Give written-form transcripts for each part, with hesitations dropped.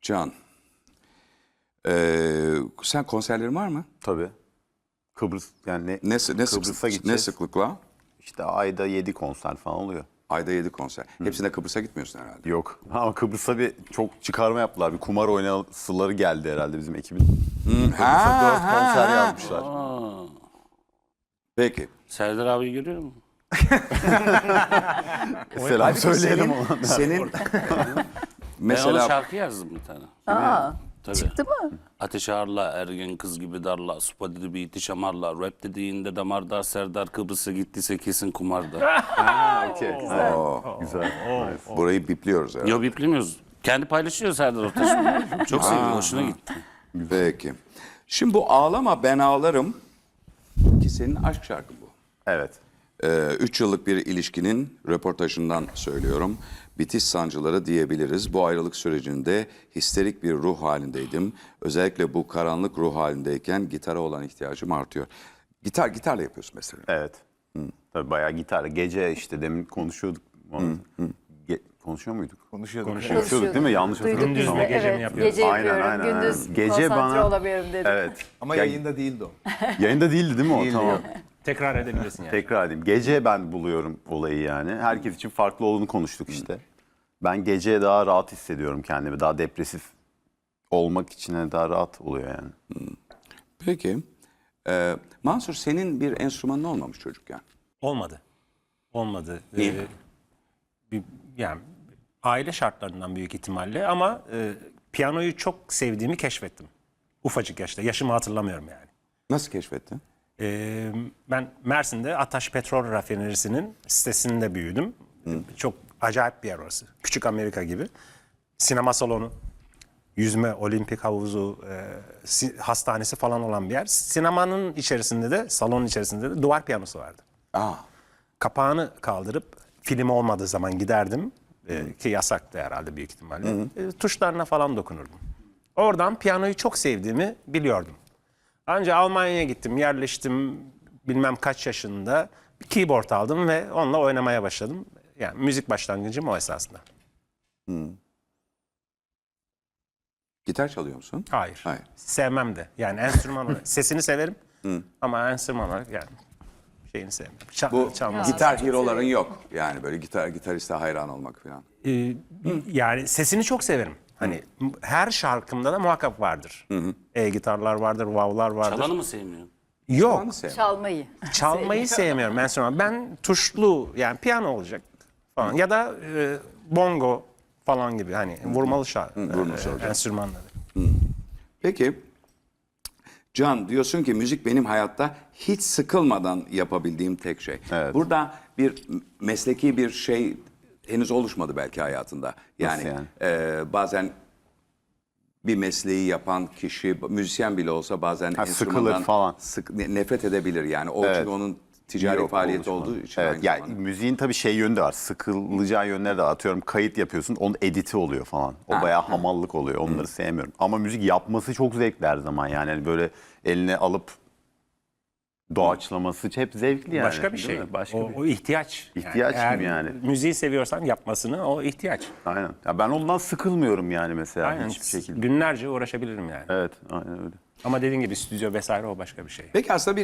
Can, sen konserlerin var mı? Tabii. Kıbrıs yani Kıbrıs'a Ne gideceğiz. sıklıkla? İşte ayda 7 konser falan oluyor. Ayda 7 konser. Hepsine Kıbrıs'a gitmiyorsun herhalde. Yok. Ama Kıbrıs'a bir çok çıkarma yaptılar. Bir kumar oynasıları geldi herhalde bizim ekibin. Kıbrıs'a 4 konser yazmışlar. Peki. Serdar abi görüyor musun? Selam söyleyelim ona. Senin Ben ona mesela şarkı yazdım bir tane. Aa, Tabii. çıktı mı? Ateş ağırla, ergen kız gibi darla, supa dedi bir itiş amarla, rap dediğinde damarda, Serdar Kıbrıs'a gittiyse kesin kumarda. Okey. Güzel. Nice. burayı bipliyoruz herhalde. Yo biplemiyoruz. Kendi paylaşıyor Serdar Ortaç. Çok seviyor, hoşuna gitti. Peki. Şimdi bu Ağlama Ben Ağlarım ki senin aşk şarkın bu. Evet. 3 yıllık bir ilişkinin röportajından söylüyorum. Bitiş sancıları diyebiliriz. Bu ayrılık sürecinde histerik bir ruh halindeydim. Özellikle bu karanlık ruh halindeyken gitara olan ihtiyacım artıyor. Gitarla yapıyorsun mesela. Evet. Tabii bayağı gitarla. Gece işte demin konuşuyorduk. Konuşuyor muyduk? Konuşuyorduk değil mi? Yanlış hatırladım. Duyduk biz ama. de. gece mi Evet, yapıyoruz? gece Aynen, yapıyorum. aynen, Gündüz aynen. Gece konsantre bana- olamıyorum dedim. Evet. Ama yayında değildi o. Yayında değildi değil mi o? Tamam. Tekrar edebilirsin yani. Tekrar edeyim. Gece ben buluyorum olayı yani. Herkes için farklı olduğunu konuştuk işte. Ben gece daha rahat hissediyorum kendimi. Daha depresif olmak için daha rahat oluyor yani. Peki. Mansur senin bir enstrümanın olmamış çocukken. Olmadı. Olmadı. Niye? Yani aile şartlarından büyük ihtimalle ama piyanoyu çok sevdiğimi keşfettim. Ufacık yaşta. Yaşımı hatırlamıyorum yani. Nasıl keşfettin? Ben Mersin'de Ataş Petrol Rafinerisi'nin sitesinde büyüdüm. Çok acayip bir yer orası. Küçük Amerika gibi. Sinema salonu, yüzme, olimpik havuzu, hastanesi falan olan bir yer. Sinemanın içerisinde de, salonun içerisinde de duvar piyanosu vardı. Aa, Kapağını kaldırıp film olmadığı zaman giderdim. Ki yasaktı herhalde büyük ihtimalle. Tuşlarına falan dokunurdum. Oradan piyanoyu çok sevdiğimi biliyordum. Ancak Almanya'ya gittim, yerleştim bilmem kaç yaşında. Bir keyboard aldım ve onunla oynamaya başladım. Yani müzik başlangıcım o esasında. gitar çalıyor musun? Hayır. Hayır. Sevmem de. Yani enstrüman olarak. Sesini severim ama enstrüman olarak yani şeyini sevmiyorum. Bu Çalması. gitar hero'ların yok. Yani böyle gitariste hayran olmak falan. Yani sesini çok severim. Hani her şarkımda da muhakkak vardır. E-gitarlar vardır, wow'lar vardır. Çalanı mı sevmiyorsun? Yok. Onu sev. Çalmayı. Çalmayı sevmiyorum enstrüman. Ben tuşlu yani piyano olacak falan ya da bongo falan gibi hani vurmalı enstrümanları. Peki. Can diyorsun ki müzik benim hayatta hiç sıkılmadan yapabildiğim tek şey. Evet. Burada bir mesleki bir şey henüz oluşmadı belki hayatında. Yani, yani? Bazen bir mesleği yapan kişi müzisyen bile olsa bazen sıkılır enstrümandan falan. nefret edebilir yani. O Evet. çünkü onun ticari Yok, faaliyeti oluşmadı. olduğu için. Evet, aynı yani zamanda. müziğin tabii şey yönü de var. Sıkılacağı yönleri de var. Atıyorum kayıt yapıyorsun, onun editi oluyor falan. O bayağı hamallık oluyor. Onları sevmiyorum. Ama müzik yapması çok zevkli her zaman. Yani hani böyle eline alıp doğaçlaması hep zevkli yani. Başka bir Değil şey. mi? Başka O, bir o ihtiyaç. İhtiyaç eğer gibi yani. Müziği seviyorsan yapmasını o ihtiyaç. Aynen. Ya ben ondan sıkılmıyorum yani mesela Aynen. hiçbir şekilde. Günlerce uğraşabilirim yani. Evet, aynen öyle. Ama dediğin gibi stüdyo vesaire o başka bir şey. Peki aslında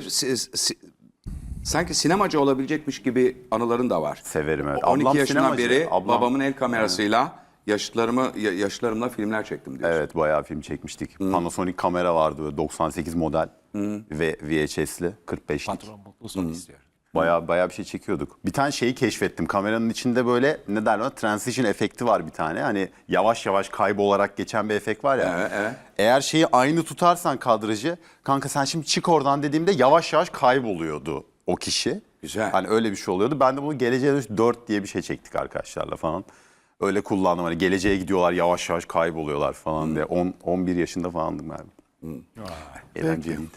sanki sinemacı olabilecekmiş gibi anıların da var. Severim evet. 12 Ablam yaşından sinemacı. beri Ablam- babamın el kamerasıyla yaşlarımla filmler çektim diyorsun. Evet, bayağı film çekmiştik. Panasonic kamera vardı böyle 98 model ve VHS'li 45'lik. Patron mutlu son istiyor. Bayağı bir şey çekiyorduk. Bir tane şeyi keşfettim. Kameranın içinde böyle ne derler ona transition efekti var bir tane. Hani yavaş yavaş kaybolarak geçen bir efekt var ya. Evet. Eğer şeyi aynı tutarsan kadrajı, kanka sen şimdi çık oradan dediğimde yavaş yavaş kayboluyordu o kişi. Güzel. Hani öyle bir şey oluyordu. Ben de bunu Geleceğe Dönüş 4 diye bir şey çektik arkadaşlarla falan. Öyle kullandım. Hani geleceğe gidiyorlar yavaş yavaş kayboluyorlar falan diye. 11 yaşında falandım galiba. Eğlenceliydi.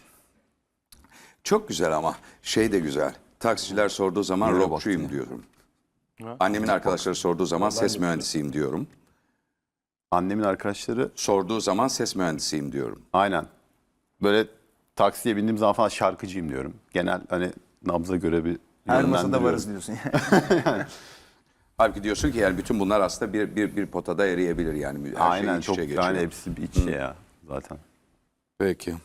Çok güzel ama şey de güzel. Taksiciler sorduğu zaman Nereye rockçuyum baktın ya? diyorum. Annemin arkadaşları sorduğu zaman ses mühendisiyim diyorum. Annemin arkadaşları Sorduğu zaman ses mühendisiyim diyorum. aynen. Böyle taksiye bindiğim zaman falan şarkıcıyım diyorum. Genel hani nabza göre bir Her masada yönlendiriyorum. varız diyorsun. Halbuki diyorsun ki yani bütün bunlar aslında bir potada eriyebilir yani. Her Aynen, şey iç çok içe geçiyor. yani hepsi iç içe ya zaten. Peki.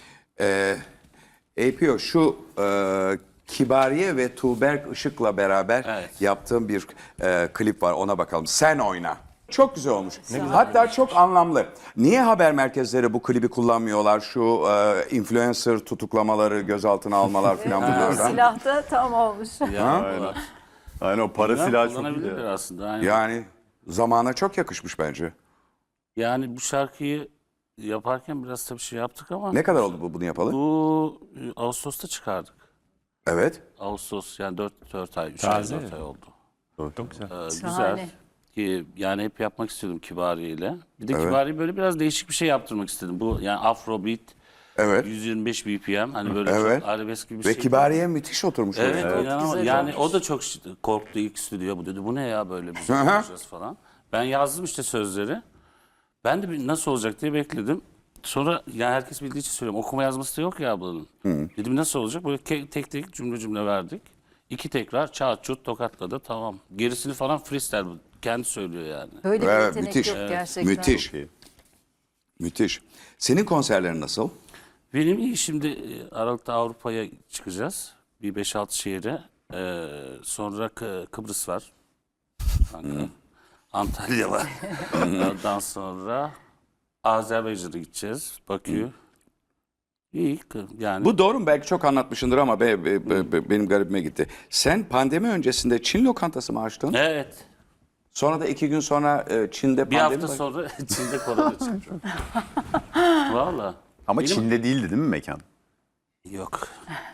APO şu Kibariye ve Tuğberk Işık'la beraber Evet. yaptığım bir klip var, ona bakalım. Sen oyna. Çok güzel olmuş. Hatta çok anlamlı. Niye haber merkezleri bu klibi kullanmıyorlar? Şu influencer tutuklamaları, gözaltına almalar falan bunlardan. Silah da tam olmuş. Ya, Aynen, o para silahı çok iyi. kullanabilirler ya. aslında. Aynen. Yani zamana çok yakışmış bence. Yani bu şarkıyı yaparken biraz tabii şey yaptık ama Ne kadar oldu bunu yapalı? bu Ağustos'ta çıkardık. Evet. Ağustos yani 4 ay, 3 ay, 4 ay oldu. Çok güzel. Güzel. Ki yani hep yapmak istiyordum Kibariye ile. Bir de Kibariye böyle biraz değişik bir şey yaptırmak istedim. Bu yani Afrobeat, Evet. 125 BPM hani böyle Evet. çok arabesk gibi bir Ve şey. Kibariye müthiş oturmuş. Evet, oraya. inanılmaz. güzel Yani olmuş. o da çok korktu ilk stüdyo. Bu dedi bu ne ya böyle bir şey Hı hı. yapacağız falan. Ben yazdım işte sözleri. Ben de bir nasıl olacak diye bekledim. Sonra yani herkes bildiği için söylüyorum. Okuma yazması da yok ya ablanın. Dedim nasıl olacak? Böyle tek tek cümle verdik. 2 tekrar çat çut tokatladı tamam. Gerisini falan freestyle kendi söylüyor yani. Böyle bir Evet, yetenek müthiş. yok gerçekten. Müthiş. Müthiş. Senin konserlerin nasıl? Benim iyi şimdi Aralık'ta Avrupa'ya çıkacağız. Bir 5-6 şehre. Sonra Kıbrıs var. Ankara. Antalya var. Ondan sonra Azerbaycan'a gideceğiz. Bakü. İyi yani. Bu doğru mu? Belki çok anlatmışındır ama benim garibime gitti. Sen pandemi öncesinde Çin lokantası mı açtın? Evet. Sonra da 2 gün sonra Çin'de Bir pandemi hafta sonra Çin'de korona çıktı. Valla. Ama Çin'de değildi değil mi mekan? Yok.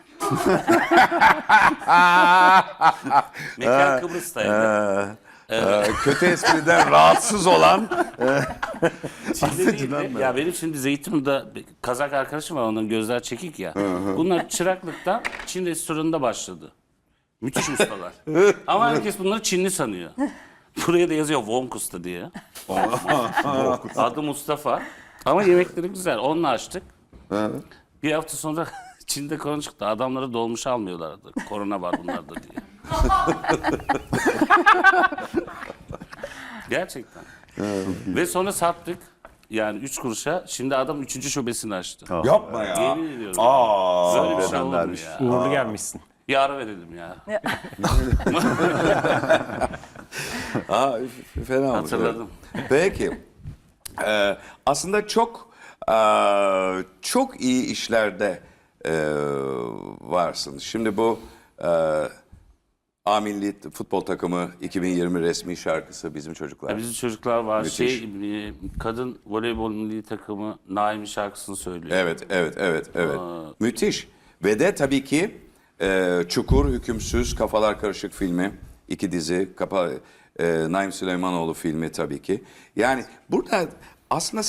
Mekan Kıbrıs'taydı. Kötü espriden rahatsız olan Çin'de değildi. Ya benim şimdi Zeytinburnu'da bir Kazak arkadaşım var, onların gözler çekik ya. Bunlar çıraklıktan Çin restoranında başladı. Müthiş ustalar. Ama herkes bunları Çinli sanıyor. Buraya da yazıyor Vonkus'ta diye. Adı Mustafa. Ama yemekleri güzel. Onunla açtık. Bir hafta sonra Çin'de korona çıktı. Adamları dolmuş almıyorlardı. Korona var bunlarda diye. Gerçekten. Ve sonra sattık. Yani 3 kuruşa. Şimdi adam 3. şubesini açtı. yapma ya. Yemin ediyorum. Böyle bir şey olur mu vermiş. ya? Uğurlu gelmişsin. Bir ara verelim ya. Fena olmuş. Hatırladım. Peki. Aslında çok iyi işlerde varsın. Şimdi bu A Milli Futbol Takımı 2020 resmi şarkısı Bizim Çocuklar. Bizim çocuklar var. Müthiş. Kadın voleybol milli takımı Naimi şarkısını söylüyor. Evet. Müthiş. Ve de tabii ki Çukur, Hükümsüz, Kafalar Karışık filmi. 2 dizi. Naim Süleymanoğlu filmi tabii ki. Yani burada aslında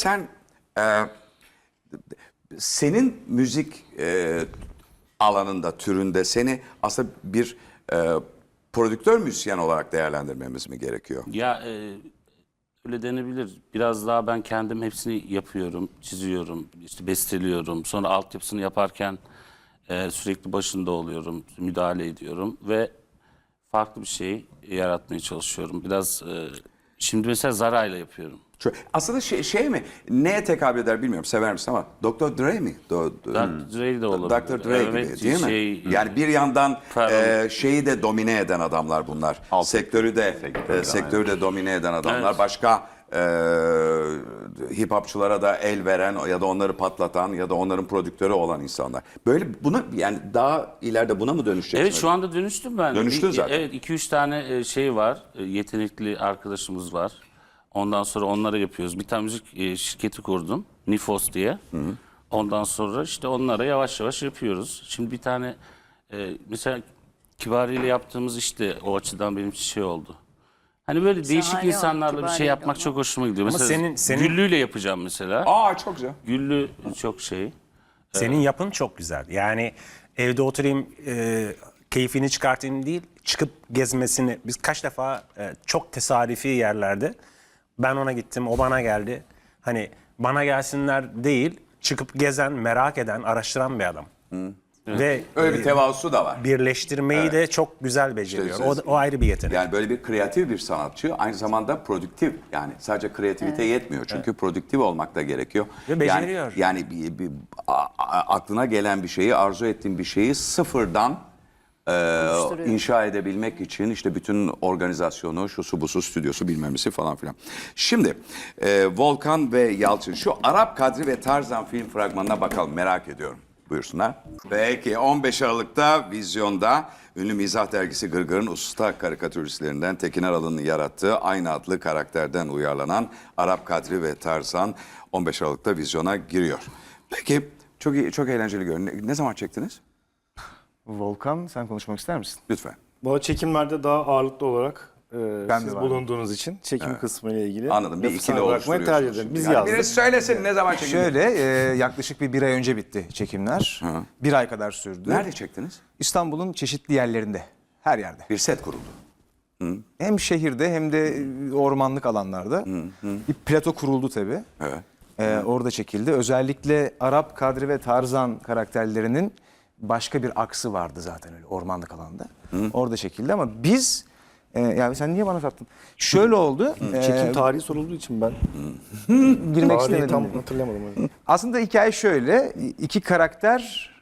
senin müzik alanında, türünde seni aslında bir prodüktör müzisyen olarak değerlendirmemiz mi gerekiyor? Ya öyle denebilir. Biraz daha ben kendim hepsini yapıyorum, çiziyorum, işte besteliyorum. Sonra altyapısını yaparken sürekli başında oluyorum, müdahale ediyorum ve farklı bir şey yaratmaya çalışıyorum. Biraz şimdi mesela Zara'yla yapıyorum. Aslında şey mi? Neye tekabül eder bilmiyorum. Sever misin ama Dr. Dre mi? Dr. Dre de olabilir. Dr. Dre Evet, gibi değil mi? şey, Yani bir yandan Pardon. şeyi de domine eden adamlar bunlar. Sektörü de domine eden adamlar. Evet. Başka hip hopçulara da el veren ya da onları patlatan ya da onların prodüktörü olan insanlar. Böyle bunu yani daha ileride buna mı dönüşeceksin? Evet şu anda dönüştüm ben. Dönüştün zaten. Evet 2-3 tane şey var. Yetenekli arkadaşımız var. Ondan sonra onlara yapıyoruz. Bir tane müzik şirketi kurdum. Nifos diye. Ondan sonra işte onlara yavaş yavaş yapıyoruz. Şimdi bir tane mesela Kibariye ile yaptığımız işte o açıdan benim için şey oldu. Hani böyle değişik Şahane insanlarla bir Kibariye şey yapmak ama. çok hoşuma gidiyor. Ama Mesela senin- Güllü'yle yapacağım mesela. Aa çok güzel. Güllü çok şey. Senin yapın çok güzel. Yani evde oturayım, keyfini çıkartayım değil, çıkıp gezmesini. Biz kaç defa çok tesadüfi yerlerde ben ona gittim, o bana geldi. Hani bana gelsinler değil, çıkıp gezen, merak eden, araştıran bir adam. Ve Öyle bir tevazusu da var. birleştirmeyi de çok güzel beceriyor. İşte O ayrı bir yetenek. Yani böyle bir kreatif bir sanatçı, aynı zamanda prodüktif. Yani sadece kreativite yetmiyor. Çünkü prodüktif olmak da gerekiyor. Ve beceriyor. Yani aklına gelen bir şeyi, arzu ettiğin bir şeyi sıfırdan inşa edebilmek için işte bütün organizasyonu, şusu busu, stüdyosu bilmemesi falan filan. Şimdi Volkan ve Yalçın, şu Arap Kadri ve Tarzan film fragmanına bakalım, merak ediyorum. Buyursunlar. Peki 15 Aralık'ta vizyonda ünlü mizah dergisi Gırgır'ın usta karikatüristlerinden Tekin Aralı'nın yarattığı aynı adlı karakterden uyarlanan Arap Kadri ve Tarzan 15 Aralık'ta vizyona giriyor. Peki çok eğlenceli görünüyor. Ne zaman çektiniz? Volkan, sen konuşmak ister misin? Lütfen. Bu çekimlerde daha ağırlıklı olarak Ben siz de varım. bulunduğunuz için çekim kısmı ile ilgili Anladım. Bir lafı ikili sana bırakmayı tercih oluşturuyorsunuz. ederim. Biz Yani yazdık. birisi söylesin ne zaman çekildi? Şöyle, yaklaşık bir ay önce bitti çekimler. Bir ay kadar sürdü. Nerede çektiniz? İstanbul'un çeşitli yerlerinde, her yerde. Bir set kuruldu. Hem şehirde hem de ormanlık alanlarda. Bir plato kuruldu tabii. Evet. Orada çekildi. Özellikle Arap Kadri ve Tarzan karakterlerinin başka bir aksı vardı zaten öyle ormanlık alanda. Orada çekildi ama biz, yani sen niye bana sattın? Şöyle oldu. Çekim tarihi sorulduğu için ben Girmek tarihi istemedim. tam hatırlamadım. Aslında hikaye şöyle. İki karakter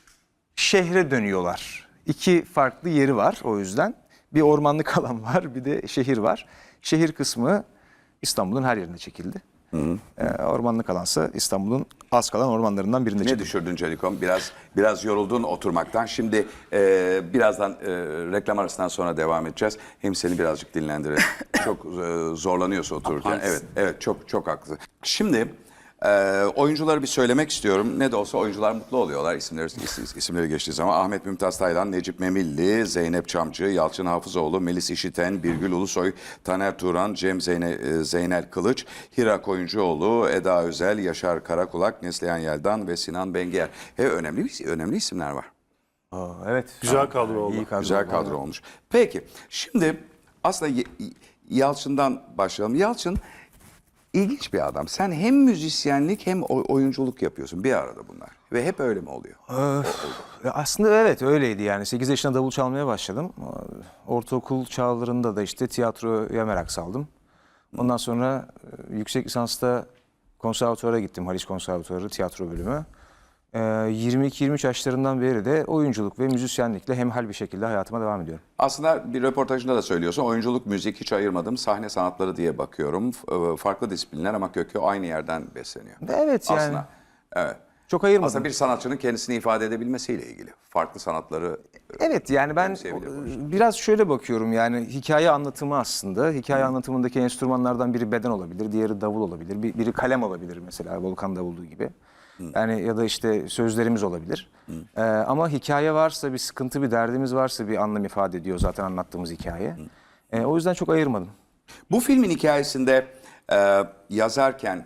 şehre dönüyorlar. İki farklı yeri var o yüzden. Bir ormanlık alan var, bir de şehir var. Şehir kısmı İstanbul'un her yerinde çekildi. Ormanlık alansa İstanbul'un az kalan ormanlarından birinde Ne çekildi. düşürdün Celikom? Biraz yoruldun oturmaktan. Şimdi birazdan reklam arasından sonra devam edeceğiz. Hem seni birazcık dinlendirelim. Çok zorlanıyorsa otururken. Evet çok haklı. Şimdi oyuncuları bir söylemek istiyorum. Ne de olsa oyuncular mutlu oluyorlar isimleri geçtiği zaman. Ahmet Mümtaz Taylan, Necip Memilli, Zeynep Çamcı, Yalçın Hafızoğlu, Melis İşiten, Birgül Ulusoy, Taner Turan, Cem Zeynel Kılıç, Hira Koyuncuoğlu, Eda Özel, Yaşar Karakulak, Neslihan Yeldan ve Sinan Bengiyer. Önemli isimler var. Evet. Güzel kadro oldu. İyi kadro Güzel oldu. kadro olmuş. Peki şimdi aslında Yalçın'dan başlayalım. Yalçın İlginç bir adam. Sen hem müzisyenlik hem oyunculuk yapıyorsun. Bir arada bunlar. Ve hep öyle mi oluyor? Aslında evet öyleydi yani. 8 yaşında davul çalmaya başladım. Ortaokul çağlarında da işte tiyatroya merak saldım. Ondan sonra yüksek lisansta konservatuvara gittim. Haliç Konservatuvarı tiyatro bölümü. 22-23 yaşlarından beri de oyunculuk ve müzisyenlikle hemhal bir şekilde hayatıma devam ediyorum. Aslında bir röportajında da söylüyorsun. Oyunculuk, müzik hiç ayırmadım. Sahne sanatları diye bakıyorum. Farklı disiplinler ama kökü aynı yerden besleniyor. Evet yani. Aslında evet. Çok ayırmadım. Aslında bir sanatçının kendisini ifade edebilmesiyle ilgili. Farklı sanatları Evet yani ben benimseyebilir biraz şöyle bakıyorum yani hikaye anlatımı aslında. Hikaye anlatımındaki enstrümanlardan biri beden olabilir, diğeri davul olabilir, biri kalem olabilir mesela Volkan davulduğu gibi. Yani ya da işte sözlerimiz olabilir. Ama hikaye varsa, bir sıkıntı, bir derdimiz varsa bir anlam ifade ediyor zaten anlattığımız hikaye. O yüzden çok ayırmadım. Bu filmin hikayesinde yazarken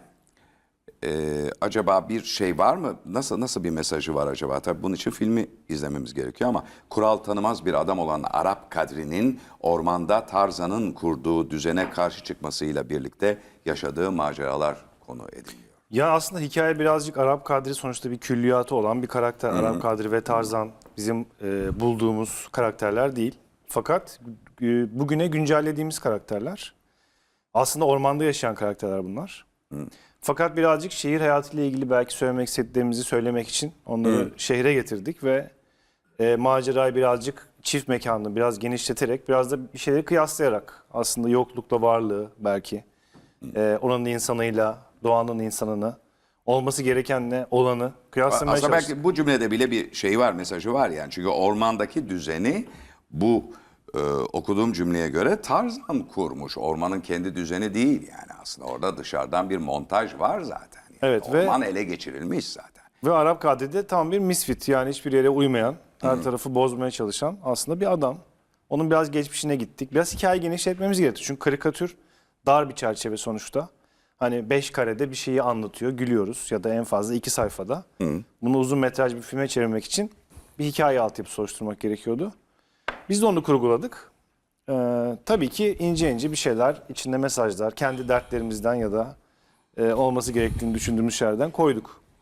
acaba bir şey var mı? Nasıl bir mesajı var acaba? Tabii bunun için filmi izlememiz gerekiyor ama kural tanımaz bir adam olan Arap Kadri'nin ormanda Tarzan'ın kurduğu düzene karşı çıkmasıyla birlikte yaşadığı maceralar konu ediliyor. Ya aslında hikaye birazcık Arap Kadri sonuçta bir külliyatı olan bir karakter. Arap Kadri ve Tarzan bizim bulduğumuz karakterler değil. Fakat bugüne güncellediğimiz karakterler. Aslında ormanda yaşayan karakterler bunlar. Fakat birazcık şehir hayatıyla ilgili belki söylemek istediklerimizi söylemek için onları şehre getirdik ve macerayı birazcık çift mekanlı biraz genişleterek biraz da bir şeyleri kıyaslayarak aslında yoklukla varlığı belki oranın insanıyla doğanın insanını olması gerekenle olanı kıyaslamaya Aslında çalıştık. belki bu cümlede bile bir şey var, mesajı var yani. Çünkü ormandaki düzeni bu okuduğum cümleye göre Tarzan kurmuş. Ormanın kendi düzeni değil yani aslında. Orada dışarıdan bir montaj var zaten. Yani Evet, orman ele geçirilmiş zaten. Ve Arap Kadri'de tam bir misfit yani hiçbir yere uymayan, her tarafı bozmaya çalışan aslında bir adam. Onun biraz geçmişine gittik. Biraz hikaye genişletmemiz gerekiyor. Çünkü karikatür dar bir çerçeve sonuçta. Hani 5 karede bir şeyi anlatıyor, gülüyoruz ya da en fazla 2 sayfada. Bunu uzun metraj bir filme çevirmek için bir hikaye altyapısı oluşturmak gerekiyordu. Biz de onu kurguladık. Tabii ki ince bir şeyler, içinde mesajlar, kendi dertlerimizden ya da olması gerektiğini düşündüğümüz şeylerden koyduk.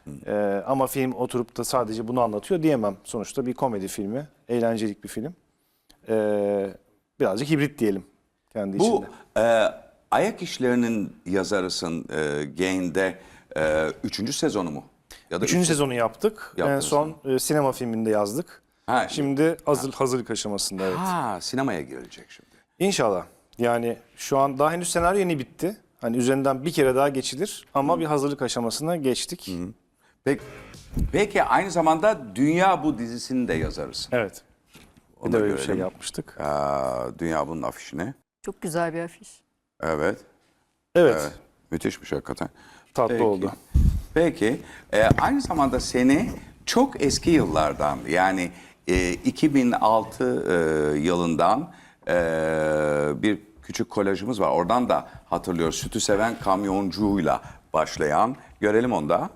Ama film oturup da sadece bunu anlatıyor diyemem. Sonuçta bir komedi filmi, eğlencelik bir film. Birazcık hibrit diyelim kendi Bu içinde. Ayak İşleri'nin yazarısın Gain'de 3. sezonu mu? Ya da 3. sezonu yaptık. En Yaptınız son sinema filminde yazdık. Ha, Şimdi hazırlık aşamasında, evet. Ha, sinemaya gelecek şimdi. İnşallah. Yani şu an daha henüz senaryo yeni bitti. Hani üzerinden bir kere daha geçilir ama bir hazırlık aşamasına geçtik. Peki aynı zamanda Dünya Bu dizisinin de yazarısın. Evet. Bir Onu de da öyle bir şey görelim. yapmıştık. Dünya Bunun afişini. Çok güzel bir afiş. Evet. Evet. Müthişmiş hakikaten. Tatlı Peki. oldu. Peki aynı zamanda seni çok eski yıllardan yani 2006 yılından bir küçük kolajımız var. Oradan da hatırlıyoruz. Sütü seven kamyoncuyla başlayan. Görelim onu da.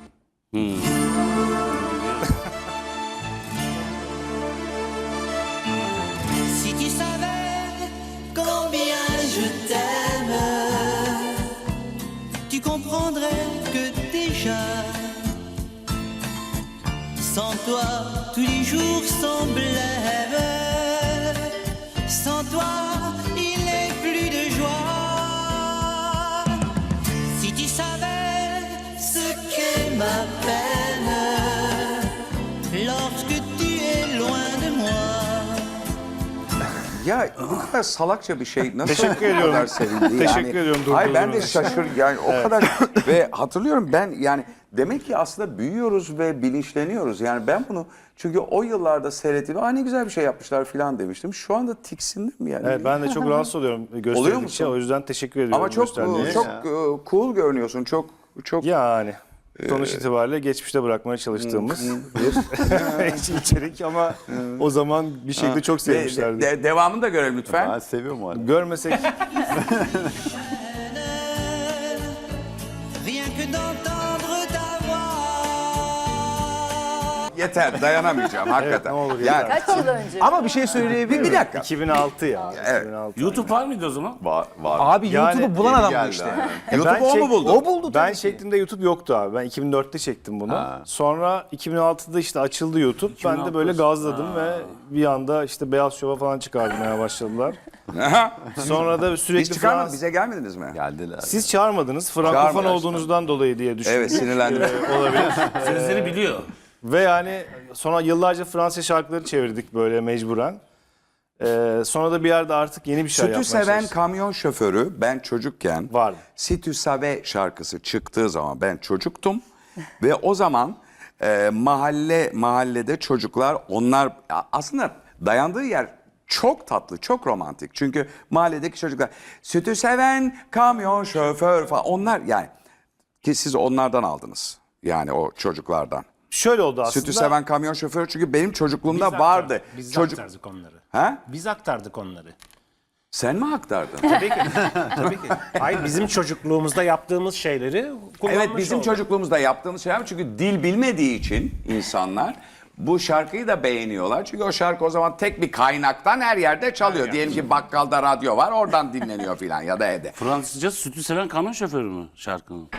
Si tu savais combien je t'aime, tu comprendrais que déjà, sans toi, tous les jours sont blêmes. Sans toi, il n'est plus de joie. Si tu savais ce qu'est ma peine, lorsque tu es loin de moi. Ya bu kadar salakça bir şey nasıl Teşekkür bu ediyorum. kadar sevildi? Teşekkür ediyorum Hayır ben de durdurduğunuz için. şaşır yani o kadar ve hatırlıyorum ben yani demek ki aslında büyüyoruz ve bilinçleniyoruz. Yani ben bunu çünkü o yıllarda seyrettiğimde ne güzel bir şey yapmışlar falan demiştim. Şu anda tiksindim yani. Evet, ben de çok rahatsız oluyorum gösterdikçe. musun? O yüzden teşekkür ediyorum. Ama çok gösterdiğiniz. cool görünüyorsun. Çok Yani sonuç itibariyle geçmişte bırakmaya çalıştığımız bir içerik ama o zaman bir şekilde çok sevmişlerdi. Devamını da görelim lütfen. Ben seviyorum o halde. Görmesek Rien que d'entendre ta voix. Yeter dayanamayacağım hakikaten. ne olur yani, Kaç yıl önce? Ama bir şey söyleyebilir miyim? bir dakika. 2006 ya. Evet. 2006. YouTube var mıydı o zaman? Var. Abi Yani YouTube'u bulan yeni adam bu geldi işte. ha. YouTube'u o mu buldu? O buldu Ben tabii ki. çektiğimde YouTube yoktu abi. Ben 2004'te çektim bunu. Sonra 2006'da işte açıldı YouTube. Ben de böyle gazladım ve bir anda işte Beyaz Şov'a falan çıkarmaya başladılar. Sonra da Hiç sürekli çıkarmadın Fransız... bize gelmediniz mi? Geldiler. Siz çağırmadınız. Frankofon Çağırmadılar olduğunuzdan dolayı diye düşündüm. Evet sinirlendim. Olabilir. Sözleri biliyor. Ve yani sonra yıllarca Fransız şarkıları çevirdik böyle mecburen. Sonra da bir yerde artık yeni bir şey Sütü yapmaya seven çalıştık. kamyon şoförü ben çocukken Vardı. Sütü Save şarkısı çıktığı zaman ben çocuktum ve o zaman mahallede çocuklar onlar aslında dayandığı yer çok tatlı, çok romantik. Çünkü mahalledeki çocuklar sütü seven kamyon şoför falan onlar yani ki siz onlardan aldınız. Yani o çocuklardan. Şöyle oldu aslında. Sütü seven kamyon şoförü çünkü benim çocukluğumda vardı. Biz Çocuk aktardık onları. Ha? Biz aktardık onları. Sen mi aktardın? Tabii ki. Tabii ki. Hayır bizim çocukluğumuzda yaptığımız şeyleri kullanmış Evet bizim olduk. çocukluğumuzda yaptığımız şeyler çünkü dil bilmediği için insanlar bu şarkıyı da beğeniyorlar. Çünkü o şarkı o zaman tek bir kaynaktan her yerde çalıyor. Diyelim ki bakkalda radyo var oradan dinleniyor filan ya da evde. Fransızca sütü seven kamyon şoförü mü şarkının?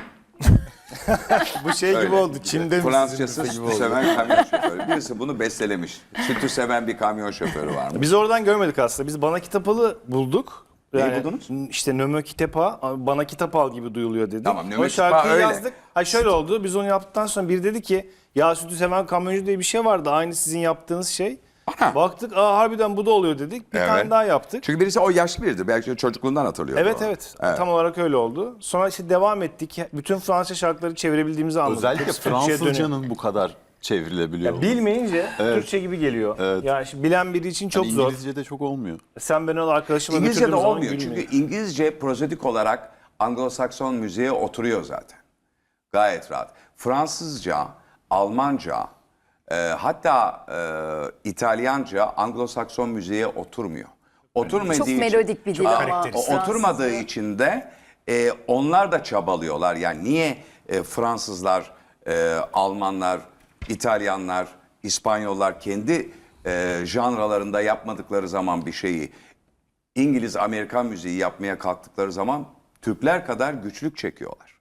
Bu şey gibi oldu. Çin'de mi Fransızcası sütü seven kamyon şoförü. Birisi bunu bestelemiş. Sütü seven bir kamyon şoförü var mı? Biz oradan görmedik aslında. Biz Bana Kitapalı bulduk. Neyi buldunuz? İşte Nömö Kitapa, Bana Kitap al gibi duyuluyor dedi. Tamam, Nömö O şarkıyı Kitapa öyle. yazdık. Ha şöyle oldu. Biz onu yaptıktan sonra biri dedi ki ya Sütü Seven Kamyoncu diye bir şey vardı. Aynı sizin yaptığınız şey. Ana. Baktık harbiden bu da oluyor dedik. Bir tane daha yaptık. Çünkü birisi o yaşlı biridir. Belki çocukluğundan hatırlıyor. Evet onu. evet. Tam olarak öyle oldu. Sonra işte devam ettik. Bütün Fransızca şarkıları çevirebildiğimizi anladık. Özellikle Hepsi Türkçe'ye dönüyor. Fransızcanın bu kadar çevrilebiliyor. Ya bilmeyince Türkçe gibi geliyor. Evet. Yani şimdi bilen biri için çok Yani zor. İngilizce'de çok olmuyor. Sen ben onu arkadaşıma İngilizce'de götürdüğüm zaman olmuyor. gülmüyor. Çünkü İngilizce prozodik olarak Anglo-Sakson müziğe oturuyor zaten. Gayet rahat. Fransızca, Almanca, hatta İtalyanca Anglo-Sakson müziğe oturmuyor. Oturmadığı Çok için, melodik bir dil ama karakteristik. oturmadığı Fransızca. için de onlar da çabalıyorlar. Yani niye Fransızlar, Almanlar, İtalyanlar, İspanyollar kendi janralarında yapmadıkları zaman bir şeyi İngiliz, Amerikan müziği yapmaya kalktıkları zaman Türkler kadar güçlük çekiyorlar.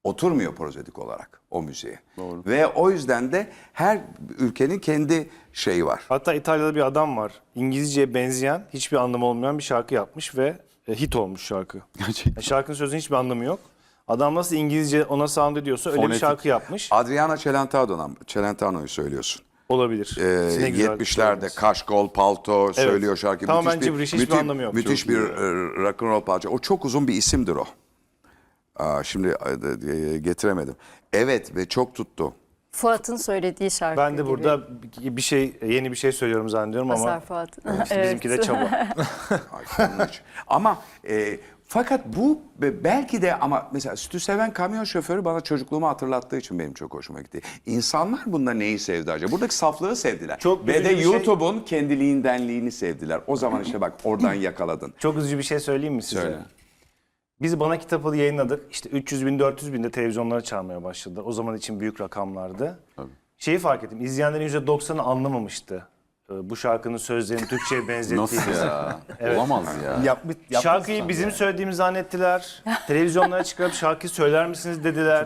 Oturmuyor prozedik olarak o müziğe. Ve o yüzden de her ülkenin kendi şeyi var. Hatta İtalya'da bir adam var. İngilizceye benzeyen, hiçbir anlamı olmayan bir şarkı yapmış ve hit olmuş şarkı. Gerçekten. Şarkının sözünün hiçbir anlamı yok. Adam nasıl İngilizce ona sound ediyorsa öyle bir Fonetik. şarkı yapmış. Adriana Celentano'yu söylüyorsun. Olabilir. Ne güzel 70'lerde söylediniz. kaşkol, palto söylüyor şarkı. Tamamen gibberish, hiçbir anlamı yok. Müthiş Çok bir rock and roll parça. O çok uzun bir isimdir o. Şimdi getiremedim. Evet ve çok tuttu. Fuat'ın söylediği şarkı Ben de gibi. burada yeni bir şey söylüyorum zannediyorum ama Mazhar Fuat. işte bizimki de çaba. Ay, onun için. Ama fakat bu belki de ama mesela sütü seven kamyon şoförü bana çocukluğumu hatırlattığı için benim çok hoşuma gitti. İnsanlar bunda neyi sevdi acaba? Buradaki saflığı sevdiler. Çok Ve üzücü de bir şey- YouTube'un kendiliğindenliğini sevdiler. O zaman işte bak oradan yakaladın. Çok üzücü bir şey söyleyeyim mi size? Söyle. Biz Bana Kitabı yayınladık. İşte 300 bin, 400 bin de televizyonlara çalmaya başladı. O zaman için büyük rakamlardı. Şeyi fark ettim. İzleyenlerin %90'ı anlamamıştı. Bu şarkının sözlerini Türkçe'ye benzettiğimizi. Nasıl ya? Olamaz ya. Şarkıyı bizim söylediğimizi zannettiler. Televizyonlara çıkarıp şarkıyı söyler misiniz dediler.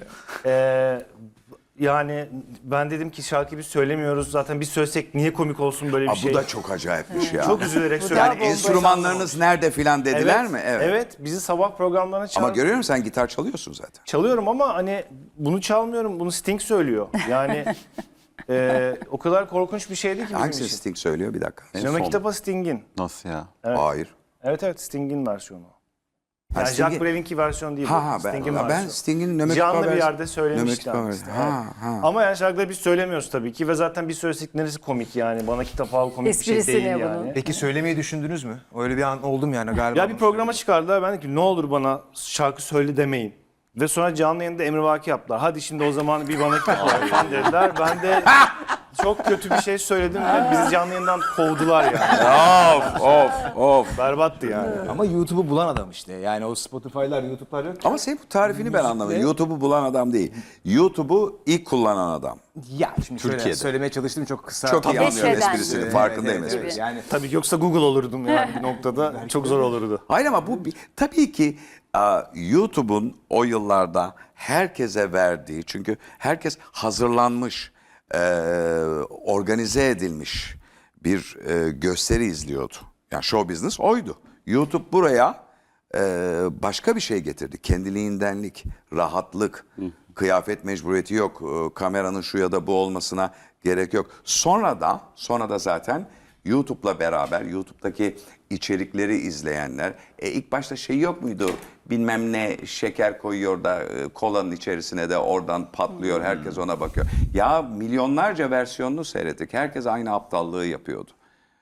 Yani ben dedim ki şarkıyı biz söylemiyoruz. Zaten biz söylesek niye komik olsun böyle bir şey. Bu da çok acayipmiş ya. Çok üzülerek Bu da söyledim. Yani enstrümanlarınız nerede filan dediler mi? Evet. Evet. Bizi sabah programlarına çağırdı. Ama görüyor musun sen gitar çalıyorsun zaten. Çalıyorum ama hani bunu çalmıyorum. Bunu Sting söylüyor. Yani o kadar korkunç bir şeydi ki bizim Hangisi için. Sting söylüyor bir dakika? Sinema Kitabı Sting'in. Nasıl ya? Hayır. Evet Sting'in versiyonu. Ha, Yani Sting'in- Jacques Brel'inki versiyon değil. bu. Sting'in ben versiyonu. Sting'in Nömekika Canlı bir versiyonu- yerde söylemişti. Nömekika işte. versiyonu. Ha. Ama yani şarkıları biz söylemiyoruz tabii ki ve zaten biz söylesek neresi komik yani. Bana kitap al komik bir Esprisi şey değil ne yani. bunun? Peki söylemeyi düşündünüz mü? Öyle bir an oldum yani galiba. Ya bir programa çıkardılar. Ben dedim ki ne olur bana şarkı söyle demeyin. Ve sonra canlı yayında emrivaki yaptılar. Hadi şimdi o zaman bir bana kitap al falan dediler. Ben de çok kötü bir şey söyledim ve bizi canlı yayından kovdular yani. Of. Berbattı yani. Ama YouTube'u bulan adam işte. Yani o Spotify'lar, YouTube'lar yok. Ama senin bu tarifini ben anlamadım. YouTube'u bulan adam değil. YouTube'u ilk kullanan adam. Ya şimdi şöyle Türkiye'de. söylemeye çalıştım çok kısa. Çok iyi anlıyorum Keşfeden. esprisini. Farkındayım Evet, esprisini. Yani Tabii ki yoksa Google olurdum yani bir noktada. Çok zor olurdu. Hayır ama bu tabii ki YouTube'un o yıllarda herkese verdiği, çünkü herkes hazırlanmış, organize edilmiş bir gösteri izliyordu. Yani show business oydu. YouTube buraya başka bir şey getirdi. Kendiliğindenlik, rahatlık, kıyafet mecburiyeti yok. Kameranın şu ya da bu olmasına gerek yok. Sonra da zaten YouTube'la beraber YouTube'daki içerikleri izleyenler ilk başta şey yok muydu? Bilmem ne şeker koyuyor da kolanın içerisine de oradan patlıyor. Herkes ona bakıyor. Ya milyonlarca versiyonunu seyrettik. Herkes aynı aptallığı yapıyordu.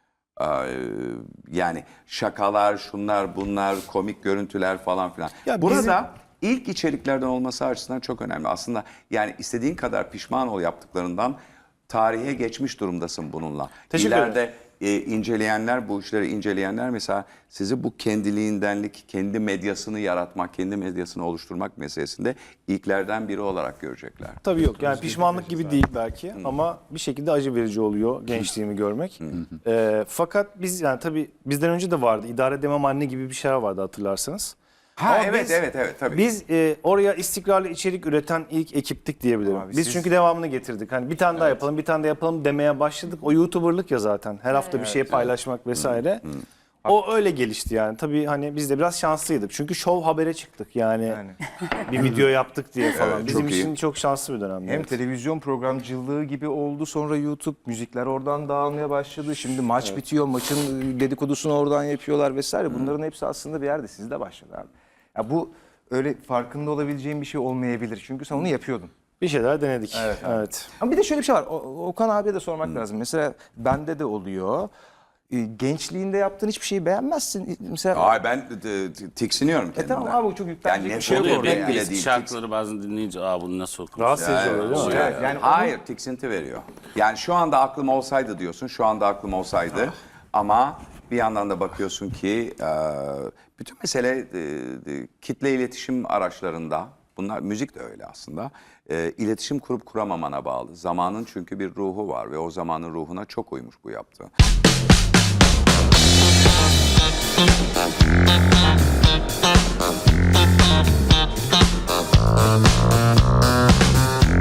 Yani şakalar, şunlar, bunlar, komik görüntüler falan filan. Ya Burada ilk içeriklerden olması açısından çok önemli. Aslında yani istediğin kadar pişman ol yaptıklarından, tarihe geçmiş durumdasın bununla. Teşekkür ederim. İleride inceleyenler, bu işleri inceleyenler mesela sizi bu kendiliğindenlik, kendi medyasını yaratmak, kendi medyasını oluşturmak meselesinde ilklerden biri olarak görecekler. Tabii yok yani pişmanlık gibi değil belki ama bir şekilde acı verici oluyor gençliğimi görmek. Fakat biz yani tabii bizden önce de vardı. İdare edemem anne gibi bir şey vardı hatırlarsanız. Ha Ama evet biz- evet tabii. Biz oraya istikrarlı içerik üreten ilk ekiptik diyebilirim. Abi Biz siz- çünkü devamını getirdik. Hani bir tane daha yapalım, bir tane daha yapalım demeye başladık. O YouTuber'lık ya zaten. Her hafta bir şey paylaşmak vesaire. O öyle gelişti yani. Tabii hani biz de biraz şanslıydık. Çünkü Show Haber'e çıktık yani. Bir video yaptık diye falan. Evet, Bizim çok iyi. için çok şanslı bir dönemdi. hem evet. televizyon programcılığı gibi oldu. Sonra YouTube müzikler oradan dağılmaya başladı. Şimdi maç bitiyor. Maçın dedikodusunu oradan yapıyorlar vesaire. Bunların hepsi aslında bir yerde sizde başladı abi. Ya bu öyle farkında olabileceğin bir şey olmayabilir. Çünkü sen onu yapıyordun. Bir şeyler denedik. Evet. Ama bir de şöyle bir şey var. Okan abiye de sormak lazım. Mesela bende de oluyor. Gençliğinde yaptığın hiçbir şeyi beğenmezsin. Mesela Ay ben tiksiniyorum kendimden. tamam abi bu çok yüklenecek Yani bir şey yok oluyor, orada. ben yani. bile Eski değil. şarkıları bazen dinleyince bunu nasıl okumuş? Rahatsız edici oluyor değil mi? Evet, yani Hayır, tiksinti veriyor. Yani şu anda aklım olsaydı diyorsun, şu anda aklım olsaydı. Ama bir yandan da bakıyorsun ki bütün mesele kitle iletişim araçlarında, bunlar müzik de öyle aslında, iletişim kurup kuramamana bağlı. Zamanın çünkü bir ruhu var ve o zamanın ruhuna çok uymuş bu yaptığı.